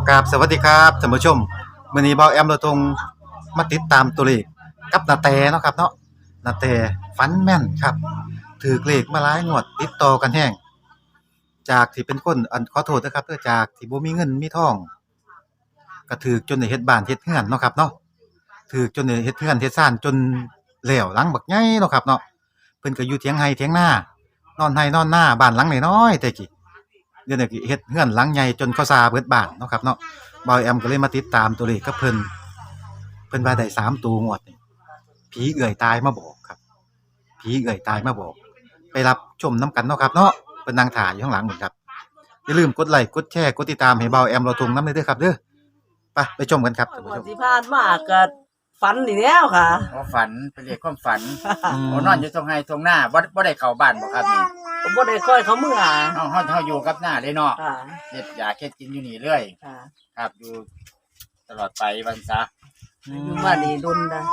กราบสวัสดีครับท่านผู้ชมมื้อนี้เบาแอมเราทงมาติดตามตัวเลขกับนาแตเนาะครับเนาะนาแตฝันแม่นครับถูกเลขมาหลายงวดติดต่อกันแฮงจากที่เป็นคนขอโทษนะครับจากที่บ่มีเงินมีทองก็ถูกจนได้เฮ็ดบ้านเฮ็ดเรือนเนาะครับเนาะถูกจนได้เฮ็ดเรือนเฮ็ดศาลจนแล้วหลังบักใหญ่เนาะครับเนาะเพิ่นก็อยู่เถียงไร่เถียงนานอนไร่นอนนาบ้านหลังน้อยๆแต่กี้ เดี๋ยวนี้ก็เฮ็ดเรือนหลังใหญ่จนเขาซาเบิดบ้านเนาะครับเนาะบ่าวแอมก็เลยมาติดตามตัวเลขกับเพิ่นว่าได้3ตัวงวดนี่ผีเอื้อยตายมาบอกครับผีเอื้อยตายมาบอกไปรับชมนํกันเนาะครับเนาะเพิ่นนั่งท่าอยู่ข้างหลังพุ่นครับอย่าลืมกดไลค์กดแชร์กดติดตามให้บ่าวแอมเราทงนำเด้อครับเด้อไปชมกันครับท่านผู้ชมที่ผ่านมาก็ฝันนี่แล้วค่ะอ๋อฝันเป็นเรียกความฝันอืมโอ้นอนอยู่ตรงไห้ตรงหน้าบ่ได้เข้าบ้านบ่ครับนี่ผมบ่ได้ค่อยเขาเมื่อเฮาอยู่กับหน้าเลยเนาะค่ะเฮ็ดยาเฮ็ดกินอยู่นี่เรื่อยค่ะครับอยู่ตลอดไปวันซะอยู่มานี่ดุนนะ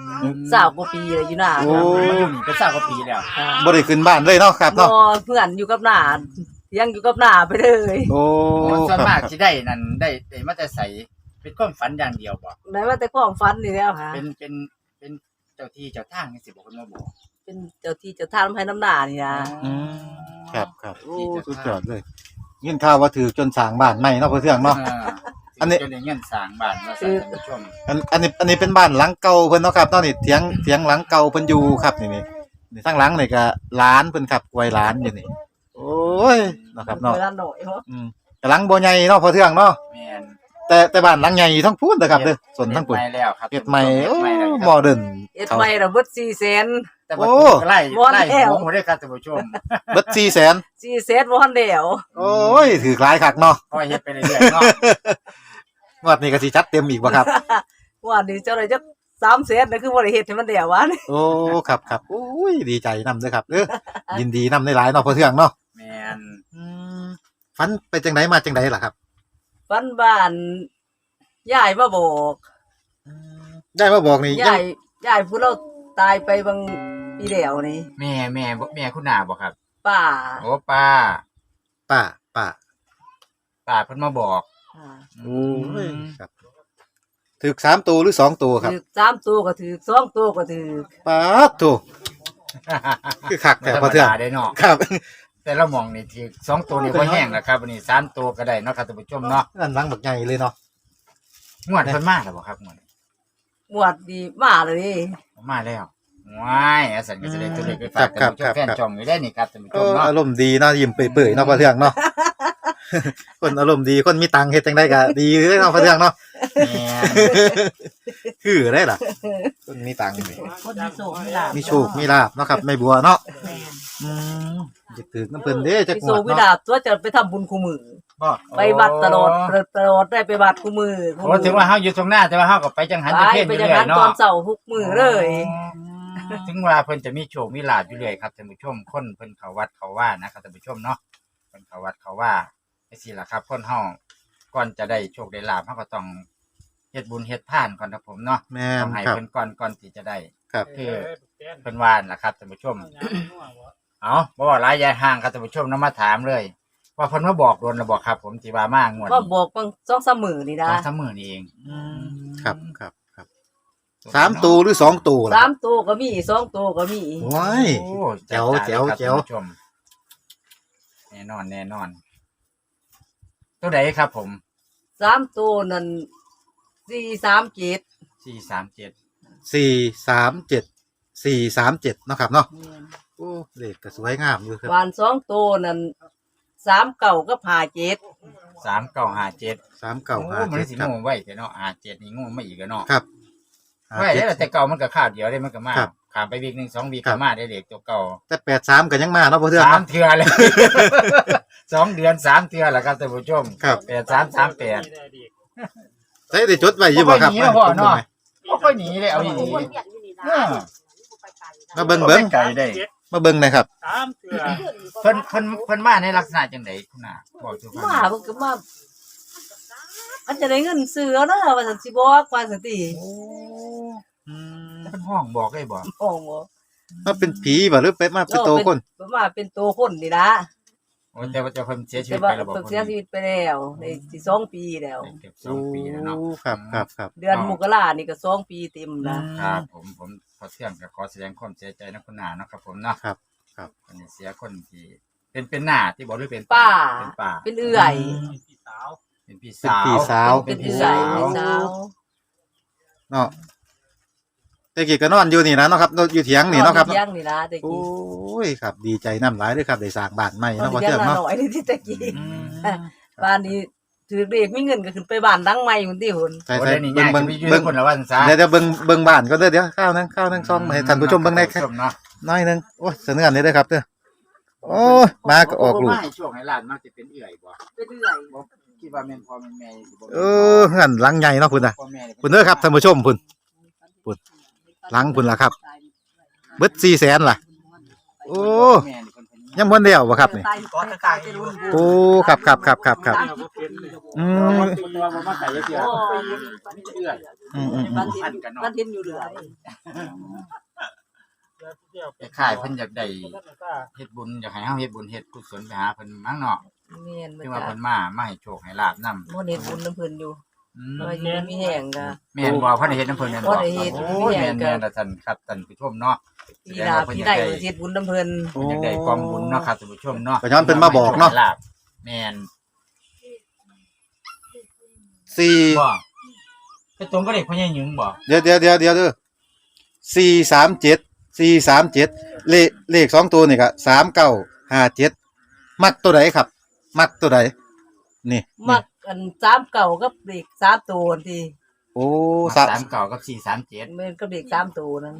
20กว่าปีเลยอยู่หน้าโอ้มาอยู่นี่เป็น20กว่าปีแล้วค่ะบ่ได้ขึ้นบ้านเลยเนาะครับบ่เนาะเพื่อนอยู่กับหน้ายังอยู่กับหน้าไปเลยโอ้โอ้ส่วนครับมากสิได้นั่นได้มาแต่ใสเป็นความฝันอย่างเดียวบ่ได้ว่าแต่ความฝันนี่แล้วค่ะเป็นเจ้าที่เจ้าทางนี่สิบ่คนมาบอกเป็นเจ้าที่เจ้าทางให้น้ำหน้านี่นะอืมครับโอ้สุดยอดเลยยินข่าวว่าถือจนสร้างบ้านใหม่เนาะเพื่อนเทื่องเนาะ อันนี้จนได้เงินสร้างบ้านมาสั่นท่านผู้ชมอันนี้เป็นบ้านหลังเก่าเพิ่นเนาะครับตอนนี้เถียงหลังเก่าเพิ่นอยู่ครับนี่ทั้งหลังนี่ก็หลานเพิ่นครับไว้หลานอยู่นี่โอ้ยเนาะครับเนาะเวลาหน่อยเนาะกำลังบ่ใหญ่เนาะพอเทื่องเนาะแม่นแต่บ้านหลังใหญ่ทั้งพูนเด้อครับเด้อส่วนทั้งปุ่นเฮ็ดใหม่แล้วครับเฮ็ดใหม่โอ้เฮ็ดใหม่แล้วครับโมเดิร์นเอ็ดใหม่ละเบิด400,000 แต่ว่าโอ้ถูกไล่บ่แล้วหัวหมดเลยครับท่านผู้ชมเบิด400,000 400,000บ่ทันแล้วโอ้ยถือหลายคักเนาะก็เฮ็ดไปเรื่อยๆเนาะงวดนี้ก็สิจัดเต็มอีกบ่ครับว่านี่เจ้าได้จัก300,000น่ะคือบ่ได้เฮ็ดให้มันแล้ววะนี่โอ้ครับโอ้ยดีใจนำเด้อครับยินดีนำหลายๆเนาะพอเทื่องเนาะแม่นฝันไปจังไดมาจังไดล่ะครับฝันบ้านยายมาบอกได้มาบอกนี่ยายผู้เราตายไปบางปีแล้วนี่แม่คุณนาบ่ครับป้าโอ้ป้าป้าป้าเพิ่นมาบอกโอ้ยครับถึก3ตัวหรือ2ตัวครับถือ3ตัวก็ถือ2ตัวก็ถือป้าดโตคือคักแต่แต่พพออเทื่เทื่อองได้เนาะครับแต่ละหม่องนี่ที่2ตัวนี่บ่แห้งแล้วครับอันนี้3ตัวก็ได้เนาะครับท่านผู้ชมเนาะนั่นหลังบักใหญ่เลยเนาะงวดเพิ่นมาแล้วบ่ครับงวดหมวดดีมาเลยนี่มาแล้วว้ายอาสันก็จะได้ตัวเลขไปฝากท่านผู้ชมแฟนช่องอยู่ได้นี่ครับท่านผู้ชมเนาะอารมณ์ดีเนาะยิ้มเปื่อยๆเนาะพอเทื่องเนาะ คนอารมณ์ดีคนมีตังค์เฮ็ดจังได๋ก็ดีเลยเนาะพอเทื่องเนาะแม่นคือได้ล่ะคนมีตังค์นี่คนมีโศกมีลาบมีโชคมีลาภเนาะครับแม่บัวเนาะอืมจะถึกน้ำเพิ่นเด้จักมีงโศวกดมีเนาะลาบตัวจะไปทำบุญคู่มือบ่ไปวัดตลอดได้ไปวัดคู่มือโอ้ถือว่าเฮาอยู่ตรงหน้าแต่ว่าเฮาก็ไปจังหันไปจังเพี้ยนอไปยู่อย่างเรื่อนั้ยนเนาะตอนเสาร์ทุกมือเลยถึงเวลาเพิ่นจะมีโชคมีลาภอยู่เรื่อยครับท่านผู้ชมคนเพิ่นเข้าวัดเข้าว่านะครับท่านผู้ชมเนาะเพิ่นเข้าวัดเข้าว่าจังซี่ล่ะครับคนเฮาก่อนจะได้โชคได้ลาภเฮาก็ต้องเฮ็ดบุญเฮ็ดทานก่อนครับผมเนาะแม่ต้อน งให้ครับเพิ่นก่อนที่จะได้ครับคือเพิ่นว่าล่ะครับท่านผู้ชม เอาบ่ว่าหลายยายห่างครับท่านผู้ชมนำมาถามเลย ว่าเพิ่นมาบอกโดนแล้วบอกครับ ผมที่ว่ามางวดว่าบอกบาง2-3มื้อนี่นะ 2-3มื้อนี่เองครับ3ตัวหรือ2ตัวล่ะ 3ตัวก็มี2ตัวก็มีว้ายโอ้แจ๋วจัดจ้านแจ๋วครับท่านผู้ชมแน่นอนตัวใดครับผม 3ตัวนั่น437 437 437เนาะครับเนาะโอ้เลขก็สวยงามอยู่ครับบ้าน2ตัวนั่น39กับ57 3957 โอ้มันสิ 3957ครับงูไว้แต่เนาะ57นี่งูมาอีกแล้วเนาะครับไว้แล้วแต่เก่ามันก็คาบเดียวได้มันก็มาครับข้ามไปวีคนึง2วีคครัก็บมาได้เลขตัวเก่าแต่83ก็ยังมาเนาะพ่อเทื่องสามเนาะเทื่อเลย 2 เดือน3 เทื่อแล้วครับท่านผู้ชมครับ 8338 ใช้ได้จดไว้อยู่บ่ครับบ่ค่อยหนีเนาะพ่อเนาะ บ่ค่อยหนีเลยเอาดีๆมาเบิ่งเบิ่งไกลได้มาเบิ่งหนะครับเพิ่นมาในลักษณะจังไดคุณน่ะบอกสู่ฟังมาเพิ่นก็มามันจะได้เงินซื้อเอาเด้อว่าซั่นสิบอกว่าซั่นติโอ้เพิ่นห้องบอกได้บ่โอ้บ่มาเป็นผีบ่หรือไปมาเป็นโตวคนมาเป็นตัวคนนี่นะโอ้อ้แต่ว่าเจะเพิ่นเสียชีวิแต่ตว่าไปแล้วบ่เพิ่นเสียชีวิตไปแล้วในสิ2ปีแล้วเกือบ2 ปีแล้วเนาะโอ้ครับครับครับเดือนมกรานี่ก็2 ปีเต็มนะครับผมพอเที่ยงก็ขอแสดงความเสียใจนะคุณนาเนาะครับผมเนาะครับครับอันนี้เสียคนที่เป็นหน้าที่บอกหรือเป็นป้าเป็นป้าเป็นเอื่อยเป็นพี่เป็นสาวพี่สาวเป็นเอื่อยเป็นสาวเนาะแต่กี้ก็นอนอยู่นี่นะเนาะครับอยู่เถียงนี่เนาะครับเที่ยงนี่นะแต่โอ้กี้ยครับดีใจน้ำหลายเลยครับได้สร้างบ้านใหม่ตอเนาะนพอเที่ยเที่ยงงละเนาะหน่อยนี่ที่ตะกี้อืมบ้านนี้ถือเด็กมีเงินก็ขึ้นไปบ้านหลังใหม่พุ่นติหุ่นใช่โอ้ใช่ได้นี่เบิ่ยาง กเบิ่งไปยืเบิ่นงคนละวันซะเดี๋ยวเบิ่งบ้านก็เด้อข้าวนึงซองมาให้ท่านผู้ชมเบิ่งได้ครับท่านผู้ชมเนาะน้อยหนึงโอ้ยเสนออันนี้เด้อครับเด้อโอ้ยมาก็ออกลูกให้ช่วงให้หลานมากจะเป็นเอื่อยบ่เป็นเอื่อยบ่คิดว่าแม่นพ่อแม่นแม่สิบ่เออเฮือนหลังใหญ่เนาะพุ่นน่ะพ่อแม่นี่พุ่นเด้อครับท่านผู้ชมพุ่น หลังพุ่นล่ะครับ เบิด400,000ล่ะ โอ้แม่นี่เพิ่นเป็นยังบ่แล้วบ่ครับนี่ตายก็ตายจะรุ่นโอ้ครับอืมคนว่าบ่มาไก่เสียเอื่อยอืมบ้านเห็นบ้านเห็นอยู่เรื่อยคล้ายๆเพิ่นอยากได้เฮ็ดบุญอยากให้เฮาเฮ็ดบุญเฮ็ดกุศลไปหาเพิ่นมั้งเนาะแม่นที่บ่ว่าจ้ะเพิ่นมาให้โชคให้ลาบนำบ่เห็นบุญน้ำเพิ่นอยู่ว่าอยู่มีแห้งก็แม่นบ่เพิ่นได้เฮ็ดนำเพิ่นแม่นบ่บ่ได้เฮ็ดโอ้ยแม่นๆล่ะท่านครับท่านผู้ชมเนาะปีหน้าปีใดเฮ็ดบุญน้ำเพิ่นโอ้อยากได้กองบุญเนาะครับท่านผู้ชมเนาะก็ย้อนเพิ่นมาบอกเนาะลาบแม่น 4 บ่ไปตรงกับเด็กพ่อใหญ่หญิงบ่เดี๋ยวเด้อ437เลข2ตัวนี่ก็3957มักตัวใดครับ มักตัวใดนี่มักอัน3เก่ากับเด็ก3ตัวที่โอ้ 3 9กับ437 แม่นกับเด็ก3ตัวนั้น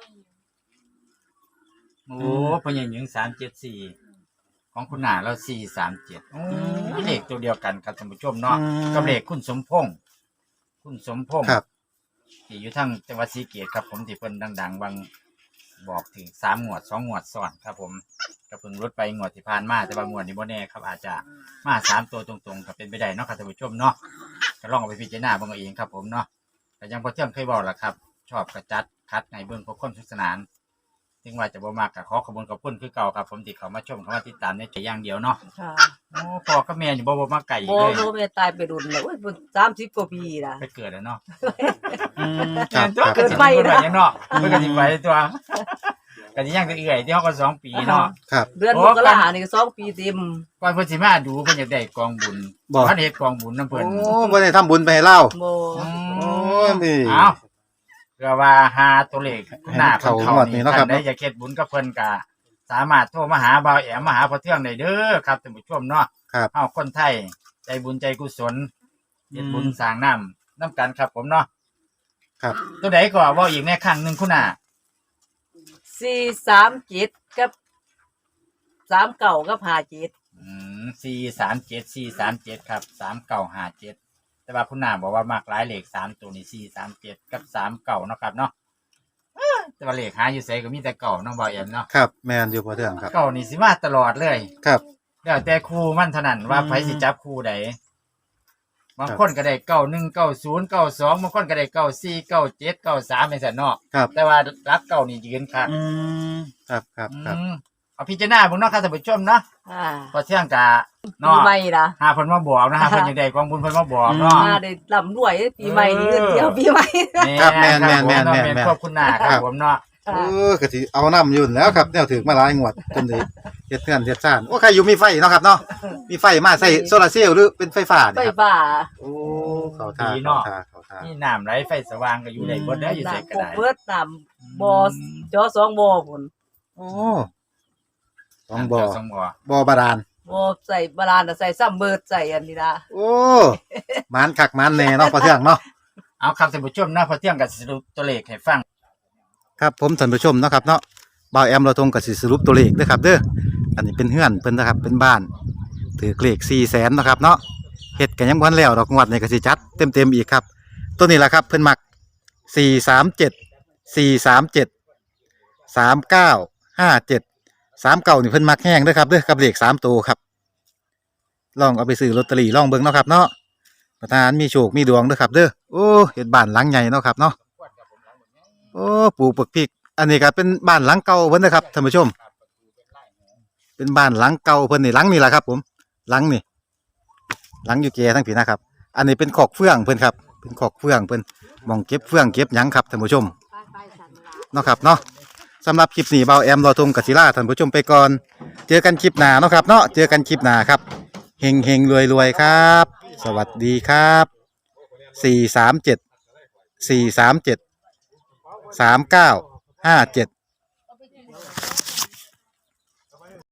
โอ้พ่อใหญ่หญิง374ของคุณหน้าเรา437โอ้เลขตัวเดียวกันครับท่านผู้ชมเนาะกับเลขคุณสมพงษ์ครับที่อยู่ทางจังหวัดศรีเกษครับผมที่เพิ่นดังๆบางบอกถึง3งวด2งวดซ้อนครับผมก็เพิ่งลดไปงวดที่ผ่านมาแต่ว่างวดนี้บ่แน่ครับอาจจะมา3ตัวตรงๆก็เป็นไปได้เนาะครับท่านผู้ชมเนาะก็ลองเอาไปพิจารณาเบิ่งเอาเองครับผมเนาะแต่ยังพอเที่ยงเคยบอกล่ะครับ ชอบกระจัดคัดในเบิ่งพวกคนสนุกสนานถึงว่าจะบ่มากก็ขอขอบคุณคือเก่าครับผมที่เข้ามาชมเข้ามาติดตามในใจอย่างเดียวเนาะค่ะโอ้พ่อกับแม่นี่บ่มาไกลบ่เลยโนแม่ตายไปดุนแล้วโอ้ย30กว่าปีล่ะไปเกิดแล้วเนาะครับตัวคเกิรัดบไปนะยังเนาะเพิ่นก็สิไปตัวก็สิยังจะเอื่อยที่เฮาก็2 ปีเนาะครับเดือนมกรานี่ก็2 ปีเต็มก่อนเพิ่นสิมาดูเพิ่นอยากได้กองบุญบ่เพิ่นเฮ็ดกองบุญนำโอ้เพิ่นบ่ได้ทำบุญไปให้เล่าบ่โอ้ยนี่เอ้าเพื่อว่าหาตัวเลขหน้าเพิ่นเข้างวดนี้เนาะครับท่ได้อยากเฮ็ดบุญกับเพิ่นก็สามารถโทรมาหาบ่าวแอมมาหาพ่อเทืองได้เด้อครับท่านผู้ชมเนาะครับเฮาคนไทยใจบุญใจกุศลเฮ็ดบุญสร้างน้ำนํกันครับผมเนาะครับตัวใดก็เว้าอีกในครั้งหนึงคุณน่ะ 437กับ3เก่ากับ57 437ครับ3957แต่ว่าคุณนามบอกว่ามากหลายเลข3ตัวนี่437กับ39เนาะครับเนาะแต่ว่าเลขหาอยู่ไสก็มีแต่เก่าเนาะบ่าวแอมเนาะครับแม่นอยู่พอเทื่องครับเก่านี่สิมาตลอดเลยครับแล้วแต่ครูมันเท่านั้นว่าไผสิจับครูใดบางคนก็ได้91 90 92บางคนก็ได้94 97 93จังซั่นเนาะครับแต่ว่ารักเก่านี่ยืนครับครับครับเอาพิจารณาเบิ่งเนาะครับท่านผู้ชมเนาะอ่าพอเที่ยงกะปีเนาะใหม่ล่ะหาเพิ่นมาบอกนะฮะเพิ่นอยากได้กองบุญเพิ่นมาบอกเนาะมาได้ร่ำรวยปีใหม่นี่เงินเที่ยวปีใหม่ครับแม่นขอบคุณหน้าครับผมเนาะเออก็สิเอาน้ำอยู่แล้วครับแนวถึกมาหลายงวดจนได้เฮ็ดเทือนเฮ็ดซ่านโอ้ใครอยู่มีไฟเนาะครับเนาะมีไฟมาใส่โซลาร์เซลล์หรือเป็นไฟฟ้าไฟเนี่ยครับฟ้าโอ้เขาท่าเขาท่านี่น้ำไหลไฟสว่างก็อยู่ได้บ่ได้อยู่ไสก็ได้น้ำเบิดน้ำบ่อจอ2บ่อพุ่นโอ้ต้องบ่อสองบ่อบ่อบาดาลบ่ใส่บาลานน่ะใส่ซ้ำเบิดใส่อันนี้ล่ะโอ้มันคักมันแน่เนาะพอเทื่องเนาะเอาครับท่านผู้ชมนะพอเที่ยงก็สรุปตัวเลขให้ฟังครับผมท่านผู้ชมเนาะครับเนาะบ่าวแอมเราทงกับสิสรุปตัวเลขเด้อครับเด้ออันนี้เป็นเฮือนเพิ่นนะครับเป็นบ้านถือเลข400,000เนาะครับเนาะเฮ็ดกันยังบ่ทันแล้วดอกงวดนี้ก็สิจัดเต็มๆอีกครับตัวนี้ล่ะครับเพิ่นมัก437 437 3957 39นี่เพิ่นมักแห้งเด้อครับเด้อกับเลข3ตัวครับลองเอาไปซื้อลอตเตอรี่ลองเบิ่งเนาะครับเนาะประธานมีโชคมีดวงเด้อครับเด้อโอ้เฮ็ดบ้านหลังใหญ่เนาะครับเนาะโอ้ปลูกบักพริกอันนี้ก็เป็นบ้านหลังเก่าเพิ่นนะครับท่านผู้ชมเป็นบ้านหลังเก่าเพิ่นนี่หลังนี่แหละครับ ผมหลังนี่หลังอยู่แก่ทั้งผีนะครับ อันนี้เป็นขอกเฟื่องเพิ่นครับเป็นขอกเฟื่องเพิ่นหมองเก็บเฟื่องเก็บหยังครับท่านผู้ชมเนาะครับเนาะสำหรับคลิปนี้เบาแอมรอทงกศิลาท่านผู้ชมไปก่อนเจอกันคลิปหน้าเนาะครับเนาะเจอกันคลิปหน้าครับเฮงเฮงรวยรวยครับ สวัสดีครับ437 437 3957